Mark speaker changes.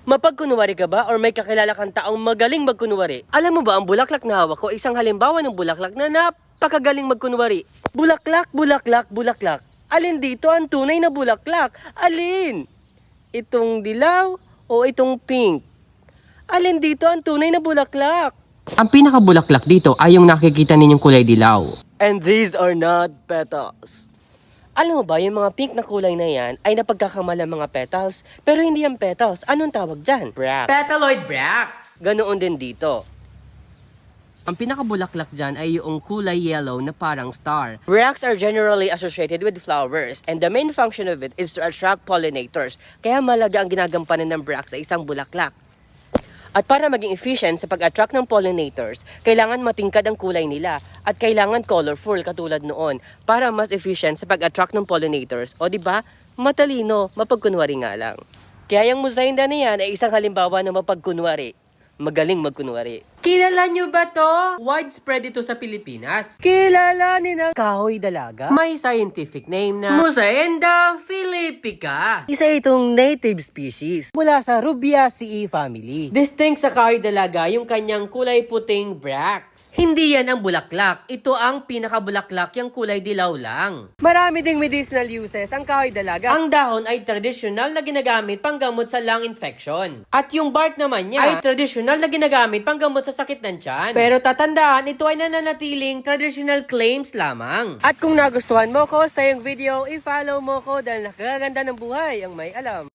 Speaker 1: Mapagkunwari ka ba or may kakilala kang taong magaling magkunwari? Alam mo ba ang bulaklak na hawak ko, isang halimbawa ng bulaklak na napakagaling magkunwari. Bulaklak, bulaklak, bulaklak. Alin dito ang tunay na bulaklak? Alin? Itong dilaw o itong pink? Alin dito ang tunay na bulaklak?
Speaker 2: Ang pinakabulaklak dito ay yung nakikita ninyong kulay dilaw.
Speaker 1: And these are not petals. Alam mo ba, yung mga pink na kulay na yan ay napagkakamalang mga petals, pero hindi yan petals. Anong tawag dyan? Bracts.
Speaker 2: Petaloid bracts!
Speaker 1: Ganoon din dito.
Speaker 2: Ang pinakabulaklak dyan ay yung kulay yellow na parang star.
Speaker 1: Bracts are generally associated with flowers, and the main function of it is to attract pollinators. Kaya malaga ang ginagampanan ng bracts sa isang bulaklak. At para maging efficient sa pag-attract ng pollinators, kailangan matingkad ang kulay nila at kailangan colorful katulad noon para mas efficient sa pag-attract ng pollinators. O di ba? Matalino, mapagkunwari nga lang. Kaya yung musainda na yan ay isang halimbawa ng mapagkunwari. Magaling magkunwari.
Speaker 2: Kilala nyo ba to? Widespread ito sa Pilipinas.
Speaker 1: Kilalanin ang kahoy dalaga?
Speaker 2: May scientific name na Musaenda philippica.
Speaker 1: Isa itong native species mula sa Rubiaceae family.
Speaker 2: Distinct sa kahoy dalaga yung kanyang kulay puting bracts. Hindi yan ang bulaklak. Ito ang pinakabulaklak, yung kulay dilaw lang.
Speaker 1: Marami ding medicinal uses ang kahoy dalaga.
Speaker 2: Ang dahon ay tradisyonal na ginagamit panggamot sa lung infection. At yung bark naman niya ay tradisyonal na ginagamit panggamot sa sakit ng tiyan. Pero tatandaan, ito ay nananatiling traditional claims lamang.
Speaker 1: At kung nagustuhan mo ko sa yung video, i-follow mo ko dahil nakakaganda ng buhay ang may alam.